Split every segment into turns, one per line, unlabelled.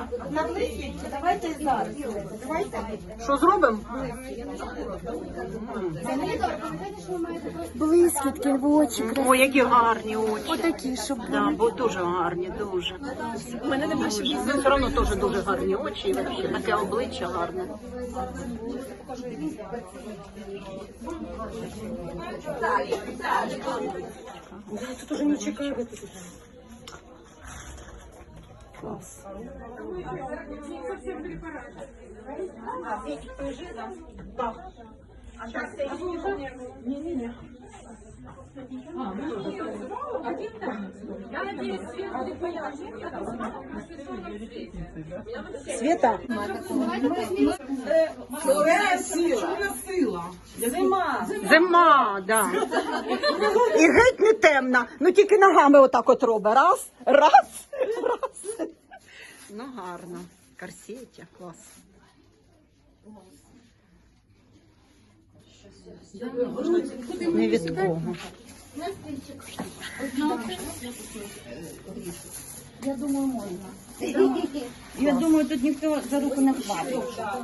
Давайте зараз.
Що зробимо?
Блискітки в очі.
О, які гарні очі.
Отакі, щоб
Да, бо дуже гарні, дуже. У мене немає ще. Все одно теж дуже гарні очі, і вообще таке обличчя гарне. Тут уже не чекаю. Клас. Света. Зима, да. І геть не темна. Ну тільки ногами отак от робить. Раз, раз, раз. Ну гарно. Корсетя, клас. Не від кого.
я думаю, можна. Я думаю, тут ніхто за руку не хватить.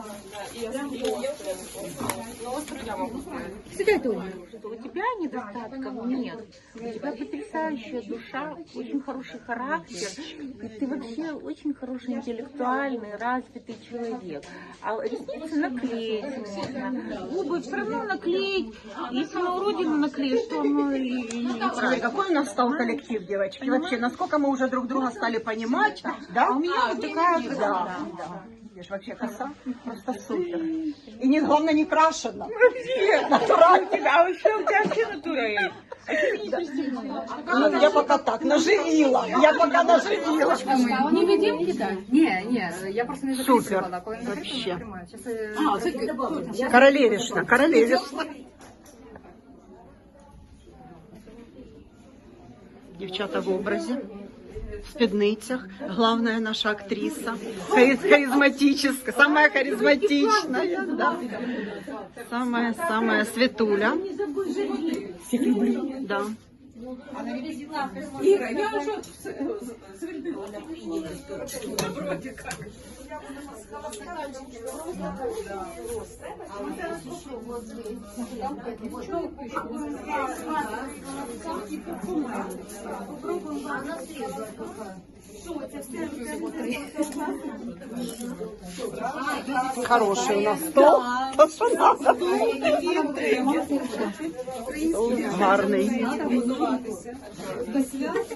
Сюда, Тоня.
У тебя недостатков нет. У тебя потрясающая душа, очень хороший характер. И ты вообще очень хороший интеллектуальный, развитый человек. А ресницы наклеить можно. Губы все равно наклеить. Если на уродину наклеить, то оно
Смотри, какой у нас стал коллектив, девочки. Вообще, насколько мы уже друг друга стали понимать. Да?
у меня вот такая вот,
Да. Видишь, вообще коса просто супер. И не, главное, не крашена. Натурально.
А вообще у тебя вообще натура.
Ну, я пока так, наживила. Я пока наживила.
Не видим кидать? Не, я просто не
Супер.
записывала. Коли не
Вообще.
тримаю. Сейчас
Королевишна, королевишна. Дівчата в образі, в спідницях. Главная наша актриса. Харизматическая, самая харизматичная. Да. Самая Светуля. Всех люблю. Да.
Ира, я уже свербила. Вроде как.
Хороший у нас стол. То, що надо. Гарний.